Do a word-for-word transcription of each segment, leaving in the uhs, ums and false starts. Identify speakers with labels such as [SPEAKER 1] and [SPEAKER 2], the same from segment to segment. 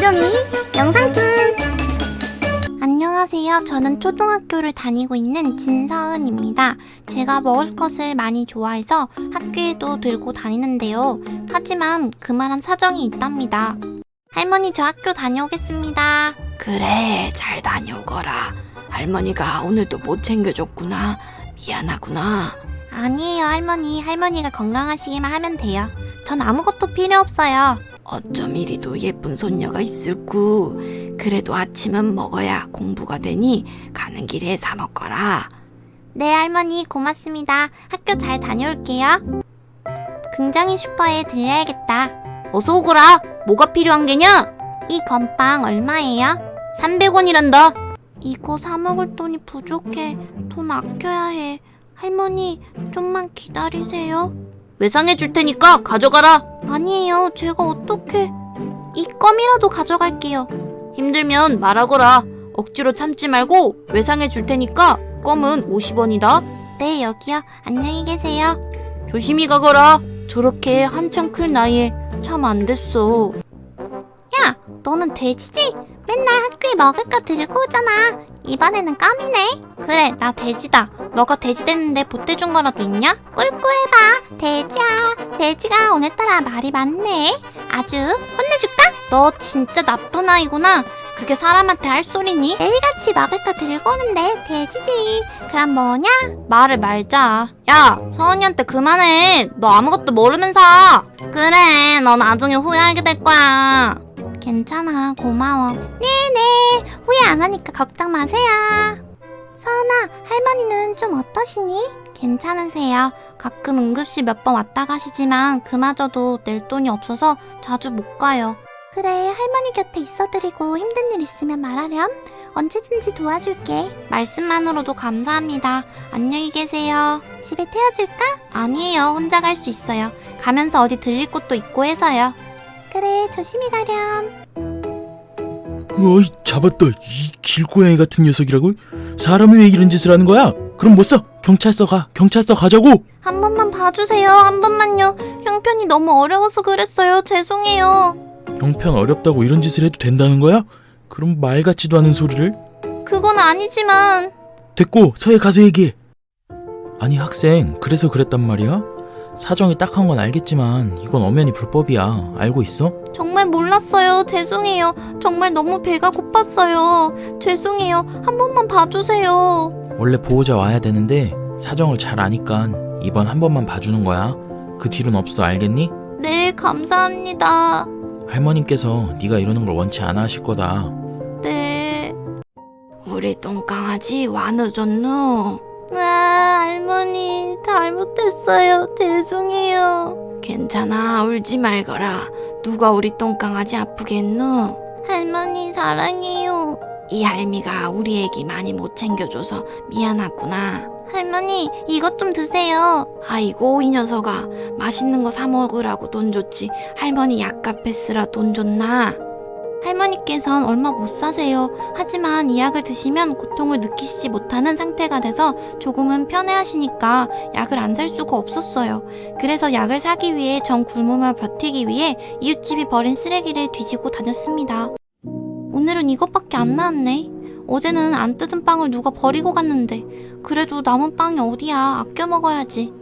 [SPEAKER 1] 김종이 영상툰.
[SPEAKER 2] 안녕하세요. 저는 초등학교를 다니고 있는 진서은입니다. 제가 먹을 것을 많이 좋아해서 학교에도 들고 다니는데요. 하지만 그만한 사정이 있답니다. 할머니, 저 학교 다녀오겠습니다.
[SPEAKER 3] 그래, 잘 다녀오거라. 할머니가 오늘도 못 챙겨줬구나. 미안하구나.
[SPEAKER 2] 아니에요, 할머니. 할머니가 건강하시기만 하면 돼요. 전 아무것도 필요 없어요.
[SPEAKER 3] 어쩜 이리도 예쁜 손녀가 있을꾸. 그래도 아침은 먹어야 공부가 되니 가는 길에 사 먹거라.
[SPEAKER 2] 네, 할머니, 고맙습니다. 학교 잘 다녀올게요. 굉장히 슈퍼에 들려야겠다.
[SPEAKER 3] 어서 오거라. 뭐가 필요한 게냐?
[SPEAKER 2] 이 건빵 얼마예요?
[SPEAKER 3] 삼백 원이란다.
[SPEAKER 2] 이거 사 먹을 돈이 부족해. 돈 아껴야 해. 할머니, 좀만 기다리세요.
[SPEAKER 3] 외상해 줄 테니까 가져가라.
[SPEAKER 2] 아니에요. 제가 어떻게... 이 껌이라도 가져갈게요.
[SPEAKER 3] 힘들면 말하거라. 억지로 참지 말고 외상해 줄 테니까 껌은 오십 원이다.
[SPEAKER 2] 네, 여기요. 안녕히 계세요.
[SPEAKER 3] 조심히 가거라. 저렇게 한창 클 나이에 참 안 됐어.
[SPEAKER 2] 야, 너는 돼지지? 맨날 학교에 먹을 거 들고 오잖아. 이번에는 껌이네. 그래, 나 돼지다. 너가 돼지 됐는데 보태준 거라도 있냐? 꿀꿀해봐. 돼지야. 돼지가 오늘따라 말이 많네. 아주 혼내줄까? 너 진짜 나쁜 아이구나. 그게 사람한테 할 소리니? 매일같이 먹을 거 들고 오는데 돼지지. 그럼 뭐냐? 말을 말자.
[SPEAKER 3] 야, 서은이한테 그만해. 너 아무것도 모르면서.
[SPEAKER 2] 그래, 너 나중에 후회하게 될 거야. 괜찮아, 고마워. 네네, 후회 안 하니까 걱정 마세요. 서은아, 할머니는 좀 어떠시니? 괜찮으세요. 가끔 응급실 몇 번 왔다 가시지만 그마저도 낼 돈이 없어서 자주 못 가요. 그래, 할머니 곁에 있어드리고 힘든 일 있으면 말하렴. 언제든지 도와줄게. 말씀만으로도 감사합니다. 안녕히 계세요. 집에 태워줄까? 아니에요, 혼자 갈 수 있어요. 가면서 어디 들릴 곳도 있고 해서요. 그래, 조심히 가렴.
[SPEAKER 4] 어이, 잡았다. 이 길고양이 같은 녀석이라고? 사람이 왜 이런 짓을 하는 거야? 그럼 못 써. 경찰서 가. 경찰서 가자고.
[SPEAKER 2] 한 번만 봐주세요. 한 번만요. 형편이 너무 어려워서 그랬어요. 죄송해요.
[SPEAKER 4] 형편 어렵다고 이런 짓을 해도 된다는 거야? 그럼 말 같지도 않은 소리를?
[SPEAKER 2] 그건 아니지만.
[SPEAKER 4] 됐고, 서해 가서 얘기해. 아니 학생, 그래서 그랬단 말이야? 사정이 딱한 건 알겠지만 이건 엄연히 불법이야. 알고 있어?
[SPEAKER 2] 정말 몰랐어요. 죄송해요. 정말 너무 배가 고팠어요. 죄송해요. 한 번만 봐주세요.
[SPEAKER 4] 원래 보호자 와야 되는데 사정을 잘 아니까 이번 한 번만 봐주는 거야. 그 뒤로는 없어. 알겠니?
[SPEAKER 2] 네, 감사합니다.
[SPEAKER 4] 할머님께서 네가 이러는 걸 원치 않아 하실 거다.
[SPEAKER 2] 네.
[SPEAKER 3] 우리 똥강아지 와 늦었노?
[SPEAKER 2] 아, 할머니, 잘못했어요. 죄송해요.
[SPEAKER 3] 괜찮아, 울지 말거라. 누가 우리 똥강아지 아프게 했노?
[SPEAKER 2] 할머니, 사랑해요.
[SPEAKER 3] 이 할미가 우리 애기 많이 못 챙겨줘서 미안하구나.
[SPEAKER 2] 할머니, 이것 좀 드세요.
[SPEAKER 3] 아이고, 이 녀석아. 맛있는 거 사 먹으라고 돈 줬지. 할머니 약값에 쓰라 돈 줬나?
[SPEAKER 2] 할머니께선 얼마 못 사세요. 하지만 이 약을 드시면 고통을 느끼시지 못하는 상태가 돼서 조금은 편해하시니까 약을 안 살 수가 없었어요. 그래서 약을 사기 위해 전 굶으며 버티기 위해 이웃집이 버린 쓰레기를 뒤지고 다녔습니다. 오늘은 이것밖에 안 나왔네. 어제는 안 뜯은 빵을 누가 버리고 갔는데 그래도 남은 빵이 어디야. 아껴 먹어야지.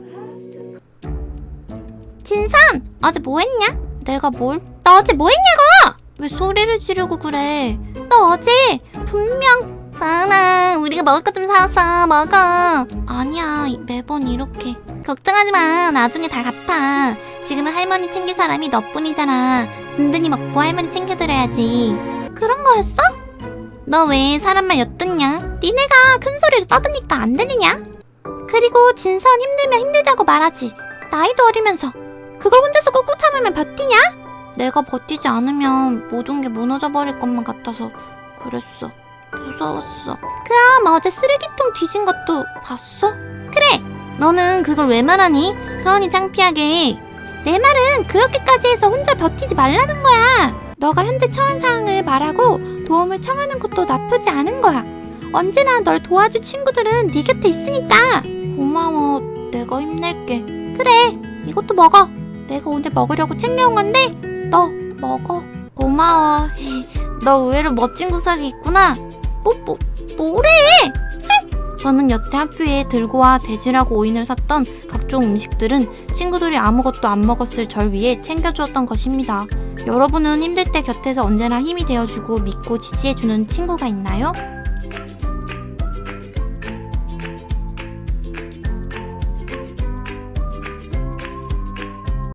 [SPEAKER 2] 진선! 어제 뭐 했냐? 내가 뭘? 너 어제 뭐 했냐고! 왜 소리를 지르고 그래? 너 어제 분명 사은아, 우리가 먹을 것 좀 사왔어. 먹어. 아니야, 매번 이렇게. 걱정하지 마. 나중에 다 갚아. 지금은 할머니 챙길 사람이 너뿐이잖아. 든든히 먹고 할머니 챙겨드려야지. 그런 거였어? 너 왜 사람 말 엿듣냐? 니네가 큰 소리로 떠드니까 안 들리냐? 그리고 진선 힘들면 힘들다고 말하지. 나이도 어리면서 그걸 혼자서 꾹꾹 참으면 버티냐? 내가 버티지 않으면 모든 게 무너져 버릴 것만 같아서 그랬어. 무서웠어. 그럼 어제 쓰레기통 뒤진 것도 봤어? 그래! 너는 그걸 왜 말하니? 서은이 창피하게. 내 말은 그렇게까지 해서 혼자 버티지 말라는 거야. 너가 현재 처한 상황을 말하고 도움을 청하는 것도 나쁘지 않은 거야. 언제나 널 도와줄 친구들은 네 곁에 있으니까. 고마워. 내가 힘낼게. 그래, 이것도 먹어. 내가 오늘 먹으려고 챙겨온 건데 너 먹어. 고마워. 너 의외로 멋진 구석이 있구나. 뭐, 뭐, 뭐래? 저는 여태 학교에 들고와 돼지라고 오인을 샀던 각종 음식들은 친구들이 아무것도 안 먹었을 절 위해 챙겨주었던 것입니다. 여러분은 힘들 때 곁에서 언제나 힘이 되어주고 믿고 지지해주는 친구가 있나요?